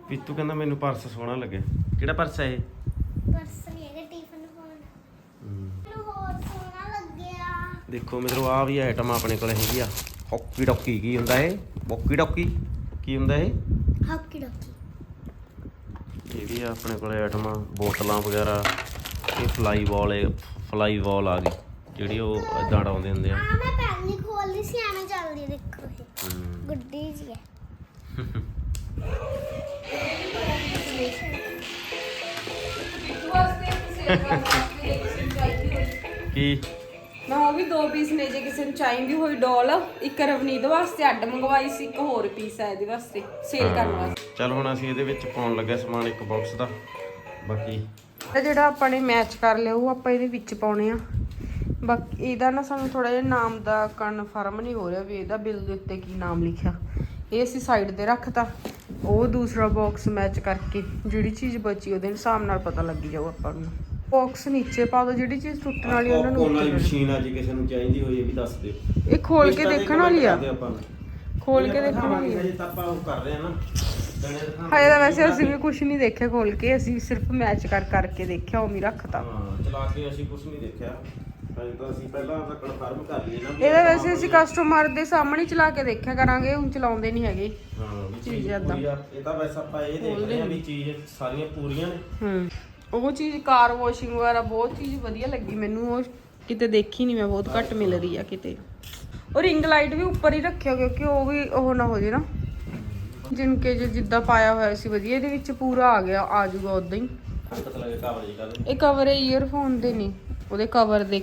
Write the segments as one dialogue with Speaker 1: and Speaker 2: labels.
Speaker 1: ਪੀਤੂ ਕਹਿੰਦਾ ਮੈਨੂੰ ਪਰਸ ਸੋਹਣਾ ਲੱਗਿਆ। ਕਿਹੜਾ ਪਰਸ ਹੈ ਇਹ?
Speaker 2: ਪਰਸ ਨਹੀਂ ਹੈਗਾ, ਟਿਫਨ ਫੋਨ ਮੈਨੂੰ ਹੋਰ ਸੋਹਣਾ ਲੱਗਿਆ।
Speaker 1: ਦੇਖੋ ਮਿੱਤਰੋ ਆ ਵੀ ਆਈਟਮ ਆਪਣੇ ਕੋਲ ਹੈਗੀ ਆ। ਹੌਕੀ ਡੌਕੀ ਕੀ ਹੁੰਦਾ ਇਹ? ਬੋਕੀ ਡੌਕੀ ਕੀ ਹੁੰਦਾ ਇਹ?
Speaker 2: ਹੌਕੀ ਡੌਕੀ।
Speaker 1: ਇਹ ਵੀ ਆ ਆਪਣੇ ਕੋਲ ਆਈਟਮਾਂ, ਬੋਤਲਾਂ ਵਗੈਰਾ। ਇਹ ਫਲਾਈ ਬਾਲ ਆ ਗਈ ਜਿਹੜੀ ਉਹ ਇਦਾਂ ਉਡਾਉਂਦੇ ਹੁੰਦੇ ਆ।
Speaker 2: ਮੈਂ ਪਹਿਲੀ ਖੋਲੀ ਸੀ, ਐਵੇਂ ਚੱਲਦੀ ਦੇਖੋ ਇਹ ਗੁੱਡੀ ਜੀ ਹੈ।
Speaker 1: ਕੀ
Speaker 3: ਮੈਂ ਉਹ ਵੀ 2 ਪੀਸ ਨੇ ਜੇ ਕਿਸੇ ਨੂੰ ਚਾਹੀਦੀ ਹੋਈ ਡੋਲ। ਇੱਕ ਰਵਨੀਤ ਵਾਸਤੇ ਅੱਡ ਮੰਗਵਾਈ ਸੀ, ਇੱਕ ਹੋਰ ਪੀਸ ਹੈ ਇਹਦੇ ਵਾਸਤੇ ਸੇਲ ਕਰਨ ਵਾਸਤੇ।
Speaker 1: ਚਲ ਹੁਣ ਅਸੀਂ ਇਹਦੇ ਵਿੱਚ ਪਾਉਣ ਲੱਗੇ ਸਮਾਨ ਇੱਕ ਬਾਕਸ ਦਾ। ਬਾਕੀ
Speaker 3: ਜਿਹੜਾ ਆਪਾਂ ਨੇ ਮੈਚ ਕਰ ਲਿਆ ਉਹ ਆਪਾਂ ਇਹਦੇ ਵਿੱਚ ਪਾਉਣੇ ਆ। ਬਾਕੀ ਇਹਦਾ ਨਾ ਸਾਨੂੰ ਥੋੜਾ ਜਿਹਾ ਨਾਮ ਦਾ ਕਨਫਰਮ ਨਹੀਂ ਹੋ ਰਿਹਾ ਵੀ ਇਹਦਾ ਬਿੱਲ ਦੇ ਉੱਤੇ ਕੀ ਨਾਮ ਲਿਖਿਆ। ਇਹ ਅਸੀਂ ਸਾਈਡ ਤੇ ਰੱਖਤਾ। ਉਹ ਦੂਸਰਾ ਬਾਕਸ ਮੈਚ ਕਰਕੇ ਜਿਹੜੀ ਚੀਜ਼ ਬਚੀ ਉਹਦੇ ਹਿਸਾਬ ਨਾਲ ਪਤਾ ਲੱਗੀ ਜਾਊ ਆਪਾਂ ਨੂੰ। ਬਾਕਸ ਨੀਚੇ ਪਾ ਦੋ, ਜਿਹੜੀ ਚੀਜ਼ ਟੁੱਟਣ ਵਾਲੀ ਉਹਨਾਂ ਨੂੰ
Speaker 1: ਉਹਨਾਂ ਦੀ ਮਸ਼ੀਨ ਅੱਜ ਕਿਸੇ ਨੂੰ ਚਾਹੀਦੀ ਹੋਈ ਇਹ ਵੀ ਦੱਸ ਦਿਓ।
Speaker 3: ਇਹ ਖੋਲ ਕੇ ਦੇਖਣ ਵਾਲੀ ਆ। ਖੋਲ ਕੇ ਦੇਖਣ ਵਾਲੀ ਆ।
Speaker 1: ਤਾਂ ਆਪਾਂ ਉਹ ਕਰ ਰਹੇ ਆ ਨਾ।
Speaker 3: ਹਾਏ ਤਾਂ ਵੈਸੇ ਅਸੀਂ ਵੀ ਕੁਝ ਨਹੀਂ ਦੇਖਿਆ ਖੋਲ ਕੇ, ਅਸੀਂ ਸਿਰਫ ਮੈਚ ਕਰਕੇ ਦੇਖਿਆ, ਉਵੇਂ ਰੱਖਤਾ।
Speaker 1: ਹਾਂ ਚਲਾ ਕੇ ਅਸੀਂ ਕੁਝ ਨਹੀਂ ਦੇਖਿਆ। ਤਾਂ ਅਸੀਂ ਪਹਿਲਾਂ ਆਪਣਾ ਕਨਫਰਮ ਕਰ ਲਈਏ ਨਾ।
Speaker 3: ਇਹਦਾ ਵੈਸੇ ਅਸੀਂ ਕਸਟਮਰ ਦੇ ਸਾਹਮਣੇ ਚਲਾ ਕੇ ਦੇਖਿਆ ਕਰਾਂਗੇ, ਹੁਣ ਚਲਾਉਂਦੇ ਨਹੀਂ ਹੈਗੇ।
Speaker 1: ਹਾਂ
Speaker 3: ਚੀਜ਼ ਏਦਾਂ।
Speaker 1: ਇਹ ਤਾਂ ਵੈਸੇ ਆਪਾਂ ਇਹ ਦੇਖ ਰਹੇ ਆ ਵੀ ਚੀਜ਼ ਸਾਰੀਆਂ ਪੂਰੀਆਂ ਨੇ।
Speaker 3: ਉਹ ਚੀਜ਼ ਕਾਰ ਵਾਸ਼ਿੰਗ ਵਗੈਰਾ ਬਹੁਤ ਚੀਜ਼ ਵਧੀਆ ਲੱਗੀ ਮੈਨੂੰ। ਉਹ ਕਿਤੇ ਦੇਖੀ ਨਹੀਂ ਮੈਂ, ਬਹੁਤ ਘੱਟ ਮਿਲ ਰਹੀ ਆ ਕਿਤੇ। ਉਹ ਰਿੰਗ ਲਾਈਟ ਵੀ ਉੱਪਰ ਹੀ ਰੱਖਿਓ ਕਿਉਂਕਿ ਉਹ ਵੀ ਉਹ ਨਾ ਹੋ ਜੇ ਨਾ ਜਿਨਕੇ ਜਿੱਦਾਂ ਪਾਇਆ ਹੋਇਆ ਸੀ ਵਧੀਆ। ਇਹਦੇ ਵਿੱਚ ਪੂਰਾ ਆ ਗਿਆ, ਆ ਜਾਊਗਾ ਉਦਾਂ ਹੀ।
Speaker 1: ਪਤਾ ਲੱਗੇ ਕਵਰ ਜੀ ਕਰ
Speaker 3: ਇਹ ਕਵਰ ਹੈ ਈਅਰਫੋਨ ਦੇ ਨਹੀਂ, ਉਹਦੇ ਕਵਰ ਦੇ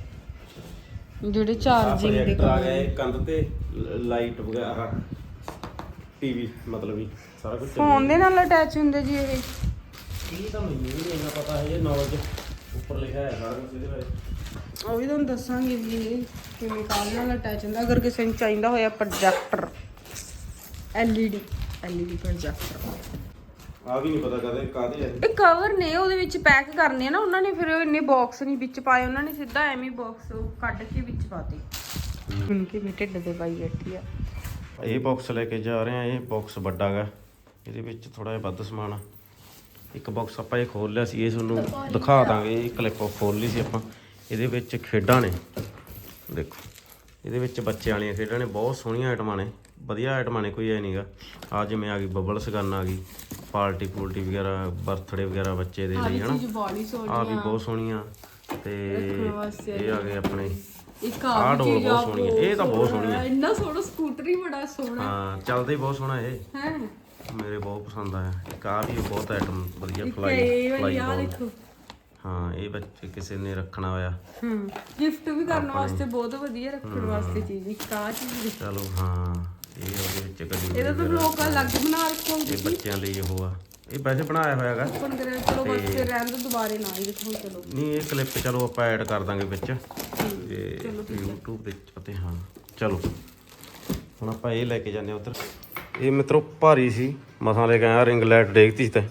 Speaker 3: ਜਿਹੜੇ ਚਾਰਜਿੰਗ ਦੇ
Speaker 1: ਆ ਗਏ। ਕੰਧ ਤੇ ਲਾਈਟ ਵਗੈਰਾ, ਟੀਵੀ ਮਤਲਬ ਵੀ ਸਾਰਾ ਕੁਝ
Speaker 3: ਫੋਨ ਦੇ ਨਾਲ ਅਟੈਚ ਹੁੰਦੇ ਜੀ ਇਹ।
Speaker 1: ਇਹ ਤਾਂ ਮੈਨੂੰ ਵੀ ਇੰਨਾ ਪਤਾ ਹੈ। ਇਹ ਨੌਲੇਜ ਉੱਪਰ ਲਿਖਿਆ ਹੈ ਸਾਰਾ ਕੁਝ ਇਹਦੇ ਬਾਰੇ।
Speaker 3: ਉਹ ਵੀ ਤੁਹਾਨੂੰ ਦੱਸਾਂਗੇ ਵੀ ਇਹ ਕਿਵੇਂ ਕਾਲ ਨਾਲ ਅਟੈਚ ਹੁੰਦਾ। ਅਗਰ ਕਿਸੇ ਨੂੰ ਚਾਹੀਦਾ ਹੋਇਆ ਪ੍ਰੋਜੈਕਟਰ, LED ਪ੍ਰੋਜੈਕਟਰ।
Speaker 1: ਆ ਵੀ ਨਹੀਂ ਪਤਾ ਕਦੇ ਕਾਹਦੇ ਹੈ
Speaker 3: ਇਹ ਕਵਰ ਨੇ, ਉਹਦੇ ਵਿੱਚ ਪੈਕ ਕਰਨੇ ਆ ਨਾ ਉਹਨਾਂ ਨੇ। ਫਿਰ ਇੰਨੇ ਬਾਕਸ ਨਹੀਂ ਵਿੱਚ ਪਾਏ ਉਹਨਾਂ ਨੇ, ਸਿੱਧਾ ਐਵੇਂ ਬਾਕਸ ਕੱਢ ਕੇ ਵਿੱਚ ਪਾਤੇ। ਹੁਣ ਕਿਵੇਂ ਢਿੱਡ ਦੇ ਪਾਈ ਬੈਠੀ ਆ।
Speaker 1: ਇਹ ਬਾਕਸ ਲੈ ਕੇ ਜਾ ਰਹੇ ਆ। ਇਹ ਬਾਕਸ ਵੱਡਾ ਗਾ, ਇਹਦੇ ਵਿੱਚ ਥੋੜਾ ਜਿਹਾ ਵੱਧ ਸਮਾਨ ਆ। ਇੱਕ ਬਾਕਸ ਆਪਾਂ ਇਹ ਖੋਲ ਲਿਆ ਸੀ, ਇਹ ਤੁਹਾਨੂੰ ਦਿਖਾ ਦਾਂਗੇ। ਇਹ ਕਲਿੱਪ ਖੋਲ ਲਈ ਸੀ ਆਪਾਂ। ਇਹਦੇ ਵਿੱਚ ਖੇਡਾਂ ਨੇ, ਦੇਖੋ ਇਹਦੇ ਵਿੱਚ ਬੱਚਿਆਂ ਵਾਲੀਆਂ ਖੇਡਾਂ ਨੇ। ਬਹੁਤ ਸੋਹਣੀਆਂ ਆਈਟਮਾਂ ਨੇ, ਵਧੀਆ ਆਈਟਮਾਂ ਨੇ, ਕੋਈ ਐ ਨਹੀਂਗਾ। ਆ ਜਿਵੇਂ ਆ ਗਈ ਬਬਲਸ ਗਨ ਆ ਗਈ, ਪਾਰਟੀ ਵਗੈਰਾ, ਬਰਥਡੇ ਵਗੈਰਾ ਬੱਚੇ ਦੇ ਲਈ ਹਨਾ। ਆ ਵੀ ਬਹੁਤ ਸੋਹਣੀਆਂ। ਤੇ ਇਹ ਆ ਗਏ ਆਪਣੇ ਆਹ ਡੋਲ ਬਹੁਤ ਸੋਹਣੀ ਹੈ। ਇਹ ਤਾਂ ਬਹੁਤ ਸੋਹਣੀ ਹੈ।
Speaker 3: ਇੰਨਾ ਸੋਹਣਾ ਸਕੂਟਰ ਹੀ ਬੜਾ ਸੋਹਣਾ।
Speaker 1: ਹਾਂ ਚੱਲਦਾ ਹੀ ਬਹੁਤ ਸੋਹਣਾ ਇਹ।
Speaker 3: ਹੈ
Speaker 1: ਮੇਰੇ ਬਹੁਤ ਪਸੰਦ ਆਇਆ। ਇੱਕ ਆ ਵੀ ਬਹੁਤ ਆਈਟਮ ਵਧੀਆ ਫਲਾਈ ਬਾਲ। ਹਾਂ ਇਹ ਬੱਚੇ ਕਿਸੇ ਨੇ ਰੱਖਣਾ ਹੋਇਆ।
Speaker 3: ਗਿਫਟ ਵੀ ਕਰਨ ਵਾਸਤੇ ਬਹੁਤ ਵਧੀਆ, ਰੱਖਣ ਵਾਸਤੇ ਚੀਜ਼। ਇੱਕ ਆ ਚੀਜ਼
Speaker 1: ਚਲੋ ਹਾਂ ਇਹ ਉਹਦੇ ਵਿੱਚ ਕਦੀ
Speaker 3: ਇਹਦਾ ਤਾਂ ਲੋਕ ਅਲੱਗ ਬਣਾ ਰੱਖੋ।
Speaker 1: ਇਹ ਬੱਚਿਆਂ ਲਈ ਉਹ ਆ। ਇਹ ਵੈਸੇ ਬਣਾਇਆ ਹੋਇਆ ਹੈਗਾ।
Speaker 3: ਓਪਨ ਕਰਿਆ ਚਲੋ ਬਸ ਫਿਰ ਰਹਿਣ ਦੋ, ਦੁਬਾਰੇ ਨਾ ਹੀ ਦੇਖੋ। ਚਲੋ
Speaker 1: ਨਹੀਂ ਇਹ ਕਲਿੱਪ ਚਲੋ ਆਪਾਂ ਐਡ ਕਰ ਦਾਂਗੇ ਵਿੱਚ ਤੇ YouTube ਵਿੱਚ। ਅਤੇ ਹਾਂ ਚਲੋ ਹੁਣ ਆਪਾਂ ਇਹ ਲੈ ਕੇ ਜਾਂਦੇ ਉੱਧਰ। ਇਹ ਮਿੱਤਰੋ ਭਾਰੀ ਸੀ, ਮਸਾਂ ਲੈ ਕੇ ਆਇਆ। ਰਿੰਗ ਲਾਈਟ ਡੇਗਤੀ ਸੀ ਤੇ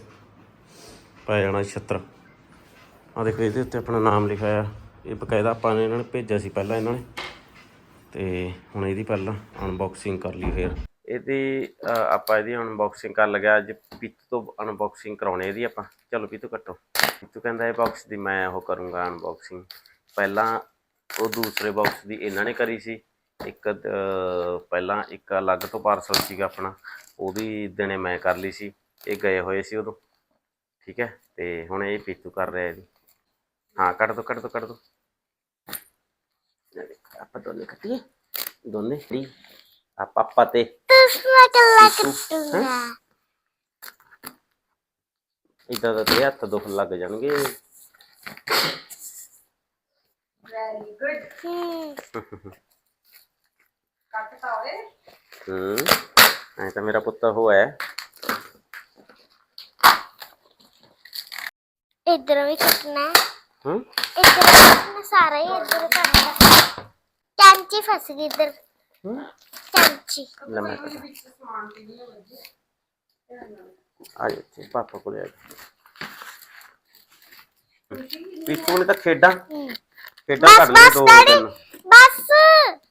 Speaker 1: ਪੈ ਜਾਣਾ 76। ਆ ਦੇਖੋ ਇਹਦੇ ਉੱਤੇ ਆਪਣਾ ਨਾਮ ਲਿਖਿਆ ਆ। ਇਹ ਬਕਾਇਦਾ ਆਪਾਂ ਨੇ ਇਹਨਾਂ ਨੇ ਭੇਜਿਆ ਸੀ ਪਹਿਲਾਂ ਇਹਨਾਂ ਨੇ। ਤੇ ਹੁਣ ਇਹਦੀ ਪਹਿਲਾਂ ਅਨਬਾਕਸਿੰਗ ਕਰ ਲਈ। ਫਿਰ ਇਹਦੀ ਆਪਾਂ ਇਹਦੀ ਅਨਬਾਕਸਿੰਗ ਕਰਨ ਲੱਗਿਆ। ਅੱਜ ਪੀਤੂ ਤੋਂ ਅਨਬਾਕਸਿੰਗ ਕਰਾਉਣੀ ਇਹਦੀ ਆਪਾਂ। ਚਲੋ ਪੀਤੂ ਕੱਟੋ। ਪੀਤੂ ਕਹਿੰਦਾ ਇਹ ਬਾਕਸ ਦੀ ਮੈਂ ਉਹ ਕਰੂੰਗਾ ਅਨਬਾਕਸਿੰਗ। ਪਹਿਲਾਂ ਉਹ ਦੂਸਰੇ ਬਾਕਸ ਦੀ ਇਹਨਾਂ ਨੇ ਕਰੀ ਸੀ। ਇੱਕ ਪਹਿਲਾਂ ਇੱਕ ਅਲੱਗ ਤੋਂ ਪਾਰਸਲ ਸੀਗਾ ਆਪਣਾ, ਉਹਦੀ ਦਿਨੇ ਮੈਂ ਕਰ ਲਈ ਸੀ। ਇਹ ਗਏ ਹੋਏ ਸੀ ਉਦੋਂ, ਠੀਕ ਹੈ। ਤੇ ਹੁਣ ਇਹ ਪੀਤੂ ਕਰ ਰਿਹਾ ਇਹਦੀ। ਹਾਂ ਕੱਟ ਦੋ ਆਪਾਂ ਦੋਨੇ ਕੱਟੀਏ। ਦੋਨੇ ਆਪਾਂ ਤੇ ਇਦਾਂ ਦਾ ਤੇ ਹੱਥ ਦੁੱਖ ਲੱਗ ਜਾਣਗੇ।
Speaker 3: Very good. ਕੱਟਤਾ ਓਏ।
Speaker 1: ਐ ਤਾਂ ਮੇਰਾ ਪੁੱਤ ਹੋਇਆ।
Speaker 2: इधर भी कटना है। इधर कटना सारा ही इधर कटना। कैंची फंस गई इधर। कैंची
Speaker 1: आ जाते पापा को ले पीछू ने तो खेडा खेडा कर ले दो तीन।
Speaker 2: बस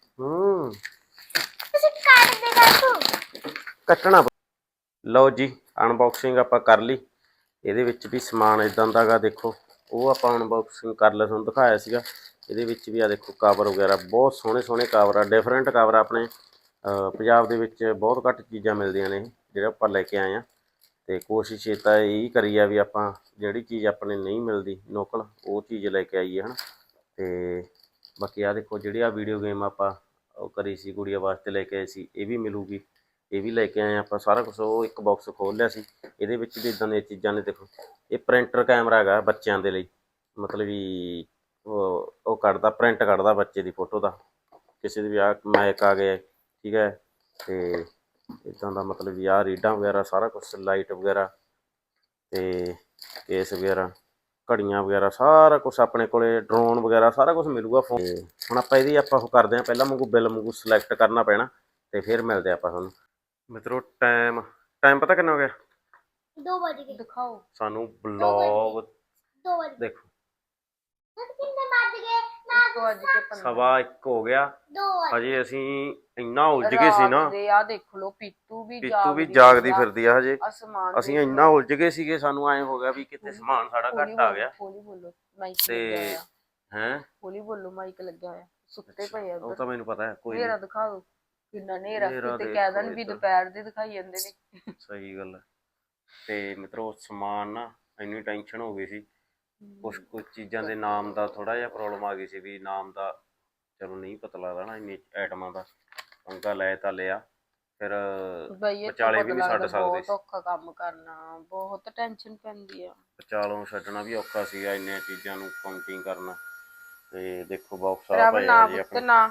Speaker 1: काट देगा तू कटना। लो जी ਅਨਬਾਕਸਿੰਗ ਆਪਾਂ ਕਰ ਲਈ। ਇਹਦੇ ਵਿੱਚ ਵੀ ਸਮਾਨ ਇਦਾਂ ਦਾ ਗਾ, ਦੇਖੋ ਉਹ ਆਪਾਂ ਅਨਬਾਕਸਿੰਗ ਕਰ ਲਿਆ, ਤੁਹਾਨੂੰ ਦਿਖਾਇਆ ਸੀਗਾ। ਇਹਦੇ ਵਿੱਚ ਵੀ ਆ ਦੇਖੋ ਕਵਰ ਵਗੈਰਾ, ਬਹੁਤ ਸੋਹਣੇ ਸੋਹਣੇ ਕਵਰ ਆ, ਡਿਫਰੈਂਟ ਕਵਰ ਆ। ਆਪਣੇ ਪੰਜਾਬ ਦੇ ਵਿੱਚ ਬਹੁਤ ਘੱਟ ਚੀਜ਼ਾਂ ਮਿਲਦੀਆਂ ਨੇ ਜਿਹੜਾ ਆਪਾਂ ਲੈ ਕੇ ਆਏ ਹਾਂ। ਅਤੇ ਕੋਸ਼ਿਸ਼ ਇਹ ਤਾਂ ਇਹੀ ਕਰੀ ਆ ਵੀ ਆਪਾਂ ਜਿਹੜੀ ਚੀਜ਼ ਆਪਣੇ ਨਹੀਂ ਮਿਲਦੀ ਲੋਕਲ, ਉਹ ਚੀਜ਼ ਲੈ ਕੇ ਆਈਏ ਹੈ ਨਾ। ਅਤੇ ਬਾਕੀ ਆ ਦੇਖੋ ਜਿਹੜੀ ਆ ਵੀਡੀਓ ਗੇਮ ਆਪਾਂ ਉਹ ਕਰੀ ਸੀ ਗੁੜੀਆ ਵਾਸਤੇ ਲੈ ਕੇ ਆਏ ਸੀ, ਇਹ ਵੀ ਮਿਲੂਗੀ, ਇਹ ਵੀ ਲੈ ਕੇ ਆਏ ਆਪਾਂ ਸਾਰਾ ਕੁਛ। ਉਹ ਇੱਕ ਬਾਕਸ ਖੋਲ੍ਹ ਲਿਆ ਸੀ, ਇਹਦੇ ਵਿੱਚ ਵੀ ਇੱਦਾਂ ਦੀਆਂ ਚੀਜ਼ਾਂ ਨੇ। ਦੇਖੋ ਇਹ ਪ੍ਰਿੰਟਰ ਕੈਮਰਾ ਹੈਗਾ ਬੱਚਿਆਂ ਦੇ ਲਈ, ਮਤਲਬ ਵੀ ਉਹ ਕੱਢਦਾ, ਪ੍ਰਿੰਟ ਕੱਢਦਾ ਬੱਚੇ ਦੀ ਫੋਟੋ ਦਾ, ਕਿਸੇ ਦੀ ਵੀ ਆ ਮੈਕ ਆ ਗਏ, ਠੀਕ ਹੈ। ਅਤੇ ਇੱਦਾਂ ਦਾ ਮਤਲਬ ਵੀ ਆਹ ਰੀਡਾਂ ਵਗੈਰਾ ਸਾਰਾ ਕੁਛ, ਲਾਈਟ ਵਗੈਰਾ ਅਤੇ ਕੇਸ ਵਗੈਰਾ, ਘੜੀਆਂ ਵਗੈਰਾ, ਸਾਰਾ ਕੁਛ ਆਪਣੇ ਕੋਲ, ਡਰੋਨ ਵਗੈਰਾ ਸਾਰਾ ਕੁਛ ਮਿਲੂਗਾ ਫੋਨ। ਹੁਣ ਆਪਾਂ ਇਹਦੀ ਉਹ ਕਰਦੇ ਹਾਂ, ਪਹਿਲਾਂ ਵਾਂਗੂ ਬਿੱਲ ਵਾਂਗੂ ਸਿਲੈਕਟ ਕਰਨਾ ਪੈਣਾ ਅਤੇ ਫਿਰ ਮਿਲਦੇ ਆਪਾਂ ਤੁਹਾਨੂੰ। ਮਿੱਤਰੋ ਟਾਈਮ ਪਤਾ ਕਿੰਨਾ ਹੋ ਗਿਆ?
Speaker 2: 2 ਵਜ ਗਏ। ਦਿਖਾਓ
Speaker 1: ਸਾਨੂੰ ਬਲੌਗ
Speaker 2: 2 ਵਜ
Speaker 1: ਦੇਖੋ
Speaker 2: ਕਿੰਨੇ ਵੱਜ ਗਏ?
Speaker 1: 1:15 ਹੋ ਗਿਆ।
Speaker 2: 2 ਵਜ
Speaker 1: ਹਜੇ ਅਸੀਂ ਇੰਨਾ ਉਲਝ ਗਏ ਸੀ ਨਾ।
Speaker 3: ਆ ਦੇਖ ਲਓ ਪੀਤੂ ਵੀ
Speaker 1: ਜਾਗਦੀ ਫਿਰਦੀ ਆ ਹਜੇ।
Speaker 3: ਅਸਮਾਨ
Speaker 1: ਅਸੀਂ ਇੰਨਾ ਉਲਝ ਗਏ ਸੀਗੇ, ਸਾਨੂੰ ਐਂ ਹੋ ਗਿਆ ਵੀ ਕਿਤੇ ਸਮਾਨ ਸਾਡਾ ਘੱਟ ਆ ਗਿਆ।
Speaker 3: ਹੌਲੀ ਬੋਲੋ, ਮਾਈਕ
Speaker 1: ਤੇ ਹੈਂ
Speaker 3: ਹੌਲੀ ਬੋਲੋ, ਮਾਈਕ ਲੱਗਿਆ ਹੋਇਆ। ਸੁੱਤੇ ਪਏ ਆ
Speaker 1: ਉਹ ਤਾਂ ਮੈਨੂੰ ਪਤਾ ਹੈ। ਕੋਈ
Speaker 3: ਹਨੇਰਾ ਦਿਖਾ ਦਿਓ, ਕਿੰਨਾ ਹਨੇਰਾ, ਤੇ ਕਹਿ ਦੇਣ ਵੀ ਦੁਪਹਿਰ ਦੇ ਦਿਖਾਈ ਜਾਂਦੇ ਨੇ।
Speaker 1: ਸਹੀ ਗੱਲ ਹੈ। ਤੇ ਮਿੱਤਰੋ ਸਮਾਨ ਨਾ ਇੰਨੀ ਟੈਨਸ਼ਨ ਹੋ ਗਈ ਸੀ, ਕੁਛ ਚੀਜ਼ਾਂ ਦੇ ਨਾਮ ਦਾ ਥੋੜਾ ਜਿਹਾ ਪ੍ਰੋਬਲਮ ਆ ਗਈ ਸੀ, ਵੀ ਨਾਮ ਦਾ ਚਲੋ ਨਹੀਂ ਪਤਾ ਲੱਗਦਾ ਨਾ ਇੰਨੀ ਆਈਟਮਾਂ ਦਾ। ਪੰਗਾ ਲੈ ਤਾਂ ਲਿਆ, ਫਿਰ ਵਿਚਾਲੇ ਵੀ ਨਹੀਂ ਛੱਡ ਸਕਦੇ।
Speaker 3: ਬਹੁਤ ਔਖਾ ਕੰਮ ਕਰਨਾ, ਬਹੁਤ ਟੈਨਸ਼ਨ ਪੈਂਦੀ ਆ।
Speaker 1: ਵਿਚਾਲੋਂ ਛੱਡਣਾ ਵੀ ਔਖਾ ਸੀਗਾ, ਇੰਨੀਆਂ ਚੀਜ਼ਾਂ ਨੂੰ ਕਾਊਂਟਿੰਗ ਕਰਨਾ। ਤੇ ਦੇਖੋ ਬਾਕਸ ਆ ਭਾਇਆ ਜੀ ਆਪਣਾ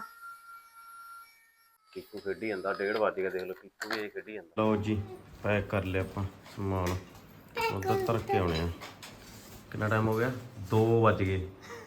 Speaker 1: ਪੀਤੂ ਖੇਡੀ ਜਾਂਦਾ। 1:30 ਵੱਜ ਗਿਆ, ਦੇਖ ਲਓ ਪੀਤੂ ਵੀ ਖੇਡੀ ਜਾਂਦਾ। ਲਓ ਜੀ ਪੈਕ ਕਰ ਲਿਆ ਆਪਾਂ ਸਮਾਨ, ਉੱਧਰ ਧਰ ਕੇ ਆਉਣੇ ਆ। ਕਿੰਨਾ ਟਾਈਮ ਹੋ ਗਿਆ? 2 ਵੱਜ ਗਏ।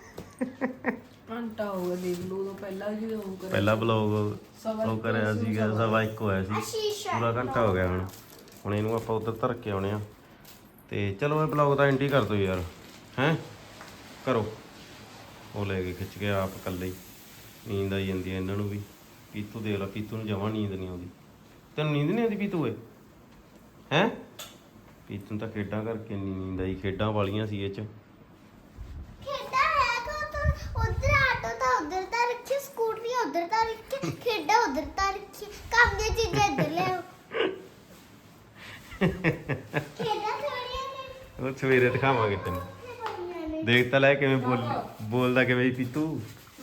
Speaker 3: ਘੰਟਾ ਹੋ ਗਿਆ, ਦੇਖ ਲਓ। ਉਦੋਂ
Speaker 1: ਪਹਿਲਾ ਬਲੌਗ ਉਹ ਕਰਿਆ ਸੀਗਾ 1:15 ਹੋਇਆ ਸੀ, ਪੂਰਾ ਘੰਟਾ ਹੋ ਗਿਆ। ਹੁਣ ਇਹਨੂੰ ਆਪਾਂ ਉੱਧਰ ਧਰ ਕੇ ਆਉਣੇ ਆ। ਤੇ ਚਲੋ ਇਹ ਬਲੌਗ ਤਾਂ ਐਂਡ ਹੀ ਕਰ ਦਿਓ ਯਾਰ, ਹੈਂ ਕਰੋ। ਉਹ ਲੈ ਕੇ ਖਿੱਚ ਕੇ ਆਪ ਇਕੱਲੇ ਹੀ, ਨੀਂਦ ਆਈ ਜਾਂਦੀ ਹੈ ਇਹਨਾਂ ਨੂੰ ਵੀ। ਪੀਤੂ ਦੇਖ ਲਾ, ਪੀਤੂ ਨੂੰ ਜਮਾਂ ਨੀਂਦ ਨਹੀਂ ਆਉਂਦੀ। ਤੈਨੂੰ ਨੀਂਦ ਨਹੀਂ ਆਉਂਦੀ ਪੀਤੂ ਏ? ਹੈਂ ਪੀਤੂ ਨੂੰ ਤਾਂ ਖੇਡਾਂ ਕਰਕੇ ਨਹੀਂ ਨੀਂਦ ਆਈ, ਖੇਡਾਂ ਵਾਲੀਆਂ ਸੀ ਇਹ 'ਚ।
Speaker 2: ਖੇਡਾਂ ਹੈ ਉਧਰ ਆਟੋ ਤਾਂ ਉਧਰ ਤਾਂ ਰੱਖੀ, ਸਕੂਟਰੀ ਉਧਰ ਤਾਂ ਰੱਖੀ, ਖੇਡਾਂ ਉਧਰ ਤਾਂ ਰੱਖੀ, ਕੰਮ ਦੀਆਂ ਚੀਜ਼ਾਂ ਇੱਧਰ ਲੈ ਆਓ। ਖੇਡਾਂ ਥੋੜੀਆਂ ਨੇ,
Speaker 1: ਉਹ ਸਵੇਰੇ ਦਿਖਾਵਾਂਗੇ ਤੈਨੂੰ। ਦੇਖ ਤਾਂ ਲੈ ਕਿਵੇਂ ਬੋਲਦਾ ਕਿਵੇਂ ਪੀਤੂ।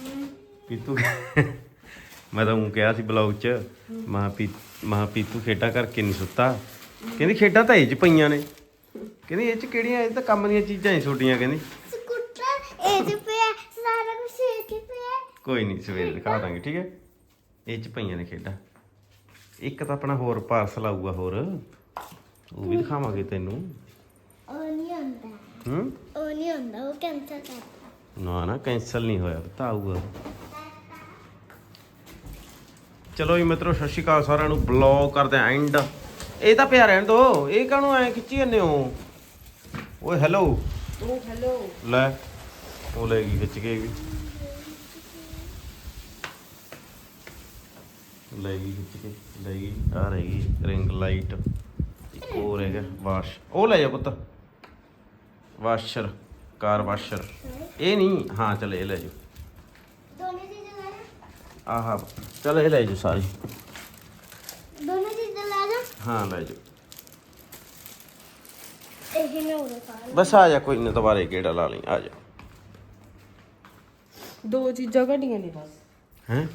Speaker 1: ਮੈਂ ਤਾਂ ਉਹ ਕਿਹਾ ਸੀ ਬਲੌਗ 'ਚ, ਮਹਾ ਪੀਤੂ ਖੇਡਾਂ ਕਰਕੇ ਨਹੀਂ ਸੁੱਤਾ। ਕਹਿੰਦੀ ਖੇਡਾਂ ਤਾਂ ਇਹ 'ਚ ਪਈਆਂ ਨੇ, ਕਹਿੰਦੀ ਇਹ 'ਚ ਕਿਹੜੀਆਂ, ਇਹ ਤਾਂ ਕੰਮ ਦੀਆਂ ਚੀਜ਼ਾਂ ਹੀ ਛੋਟੀਆਂ। ਕਹਿੰਦੀ
Speaker 2: ਸਕੂਟਰ ਇਹ 'ਚ ਪਿਆ, ਸਾਰਾ ਕੁਝ ਇਹ 'ਚ ਪਿਆ।
Speaker 1: ਕੋਈ ਨਹੀਂ ਸਵੇਰੇ ਦਿਖਾ ਦਾਂਗੇ, ਠੀਕ ਹੈ। ਇਹ 'ਚ ਪਈਆਂ ਨੇ ਖੇਡਾਂ। ਇੱਕ ਤਾਂ ਆਪਣਾ ਹੋਰ ਪਾਰਸਲ ਆਊਗਾ, ਹੋਰ ਉਹ ਵੀ ਦਿਖਾਵਾਂਗੇ ਤੈਨੂੰ।
Speaker 2: ਉਹ ਨਹੀਂ ਹੁੰਦਾ, ਉਹ ਨਹੀਂ ਹੁੰਦਾ, ਉਹ ਕੈਂਸਲ ਕਰ।
Speaker 1: ਨਾ ਕੈਂਸਲ ਨਹੀਂ ਹੋਇਆ, ਤਾਂ ਆਊਗਾ। ਚਲੋ ਜੀ ਮਿੱਤਰੋ, ਸਤਿ ਸ਼੍ਰੀ ਅਕਾਲ ਸਾਰਿਆਂ ਨੂੰ। ਬਲੌਗ ਕਰਦੇ ਆ ਐਂਡ। ਇਹ ਤਾਂ ਪਿਆ ਰਹਿਣ ਦੋ, ਇਹ ਕਾਹਨੂੰ ਐਂ ਖਿੱਚੀ ਜਾਂਦੇ ਹੋ? ਓਏ ਹੈਲੋ ਲੈ, ਉਹ ਲੈ ਗਈ ਖਿੱਚ ਕੇ ਵੀ, ਲੈ ਗਈ ਖਿੱਚ ਕੇ, ਲੈ ਗਈ। ਆ ਰਹਿ ਗਈ ਰਿੰਗ ਲਾਈਟ, ਇੱਕ ਹੋਰ ਹੈਗਾ ਵਾਸ਼। ਉਹ ਲੈ ਜਾ ਪੁੱਤ, ਵਾਸ਼ਰ, ਕਾਰ ਵਾਸ਼ਰ। ਇਹ ਨਹੀਂ, ਹਾਂ ਚਲ ਇਹ ਲੈ ਜਾਓ।
Speaker 2: ਦੋਨੇ ਚੀਜ਼ਾਂ ਲੈ ਜਾ।
Speaker 1: ਆਹ ਚਲ ਇਹ ਲੈ ਜਾਓ ਸਾਰੀ,
Speaker 2: ਦੋਨੇ ਚੀਜ਼ਾਂ ਲੈ ਜਾ।
Speaker 1: ਹਾਂ ਲੈ ਜਾਓ।
Speaker 2: ਇਹ ਮੈਂ ਉਰੇ ਪਾ ਲਾਂ।
Speaker 1: ਬਸ ਆ ਜਾ, ਕੋਈ ਨਾ ਦੁਬਾਰੇ ਗੇੜਾ ਲਾ ਲਈ, ਆ ਜਾ।
Speaker 3: 2 ਚੀਜ਼ਾਂ ਘਟੀਆਂ ਨੇ ਬਸ।
Speaker 1: ਹੈਂ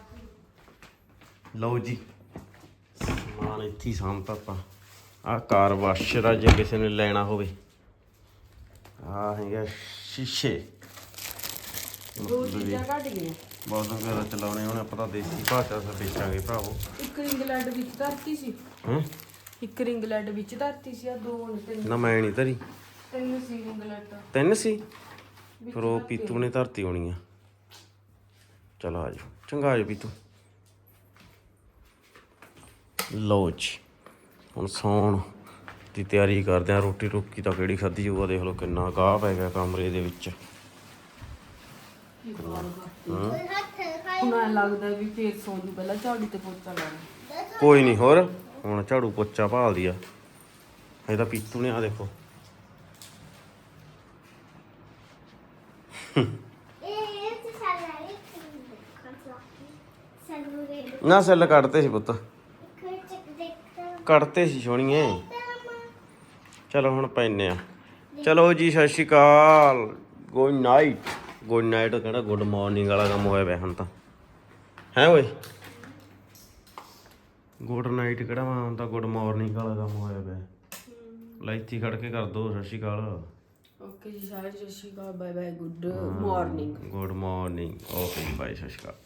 Speaker 1: ਲਓ ਜੀ, ਸਮਾਨ ਇੱਥੇ ਹੀ ਸਾਂਭਤਾ ਆਪਾਂ। ਆਹ ਕਾਰ ਵਾਸ਼ਰ ਆ, ਜੇ ਕਿਸੇ ਨੇ ਲੈਣਾ ਹੋਵੇ। ਆਹ ਹੈਗਾ ਸ਼ੀਸ਼ੇ,
Speaker 3: 2 ਚੀਜ਼ਾਂ ਘਟ ਗਈਆਂ।
Speaker 1: ਬਹੁਤ ਵਗੈਰਾ ਚਲਾਉਣੇ ਹੁਣ ਆਪਾਂ ਤਾਂ ਦੇਸੀ ਭਾਸ਼ਾ ਸ ਵੇਚਾਂਗੇ ਭਰਾਵੋ।
Speaker 3: ਇੱਕ ਇੰਗਲੈਂਡ ਵਿੱਚ ਧਰਤੀ ਸੀ, ਇੱਕ ਇੰਗਲੈਂਡ ਵਿੱਚ ਧਰਤੀ ਸੀ। ਆ 2 ਨੇ, 3
Speaker 1: ਨਾ ਮੈਂ ਨਹੀਂ ਧਰੀ,
Speaker 3: 3 ਸੀ ਇੰਗਲੈਂਡ।
Speaker 1: 3 ਸੀ, ਫਿਰ ਉਹ ਪੀਤੂ ਨੇ ਧਰਤੀ ਹੋਣੀ ਆ। ਚਲ ਆ ਜਾਓ, ਚੰਗਾ ਆ ਜਾਓ ਪੀਤੂ। ਲਓ ਜੀ, ਹੁਣ ਸੌਣ ਦੀ ਤਿਆਰੀ ਕਰਦੇ ਆ। ਰੋਟੀ ਰੋਕੀ ਤਾਂ ਕਿਹੜੀ ਖਾਧੀ ਜਾਊਗਾ, ਦੇਖ ਲਓ ਕਿੰਨਾ ਗਾਹ ਪੈ ਗਿਆ ਕਮਰੇ ਦੇ ਵਿੱਚ।
Speaker 3: ਹੁਣ ਐਂ ਲੱਗਦਾ ਵੀ ਫੇਰ ਸੌਂ ਜੂ, ਪਹਿਲਾਂ ਝਾੜੂ ਤੇ ਪੋਚਾ ਲਾਉਣਾ।
Speaker 1: ਕੋਈ ਨਹੀਂ, ਹੋਰ ਹੁਣ ਝਾੜੂ ਪੋਚਾ ਭਾਲਦੀ ਆ। ਇਹਦਾ ਪੀਤੂ ਨੇ ਆ ਦੇਖੋ
Speaker 2: ਇਹ ਤੇ ਸਾਲਾ ਇੱਕ ਸਾਨੂੰ ਰੇਡ
Speaker 1: ਨਾ ਸੈੱਲ ਕੱਢਤੇ ਸੀ ਪੁੱਤ
Speaker 2: ਇੱਕ ਚੱਕ ਦੇਖਦਾ
Speaker 1: ਕੱਢਤੇ ਸੀ ਸੋਹਣੀਏ ਚਲੋ ਹੁਣ ਪੈਨੇ ਆ ਚਲੋ ਜੀ ਸਤਿ ਸ਼੍ਰੀ ਅਕਾਲ ਗੁੱਡ ਨਾਈਟ ਕਹਿੰਦਾ ਗੁੱਡ ਮਾਰਨਿੰਗ ਵਾਲਾ ਕੰਮ ਹੋਇਆ ਪਿਆ ਹੁਣ ਤਾਂ ਹੈ ਓਏ ਗੁੱਡ ਨਾਈਟ ਕਿਹੜਾ ਵਾ ਹੁਣ ਤਾਂ ਗੁੱਡ ਮਾਰਨਿੰਗ ਵਾਲਾ ਕੰਮ ਹੋਇਆ ਪਿਆ ਲੈ ਇੱਥੇ ਖੜ ਕੇ ਕਰ ਦੋ ਸਤਿ ਸ਼੍ਰੀ ਅਕਾਲ
Speaker 3: ਓਕੇ ਜੀ ਸਾਰੇ ਸਤਿ ਸ਼੍ਰੀ ਅਕਾਲ bye bye good morning
Speaker 1: good morning okay bye ਸਤਿ ਸ਼੍ਰੀ ਅਕਾਲ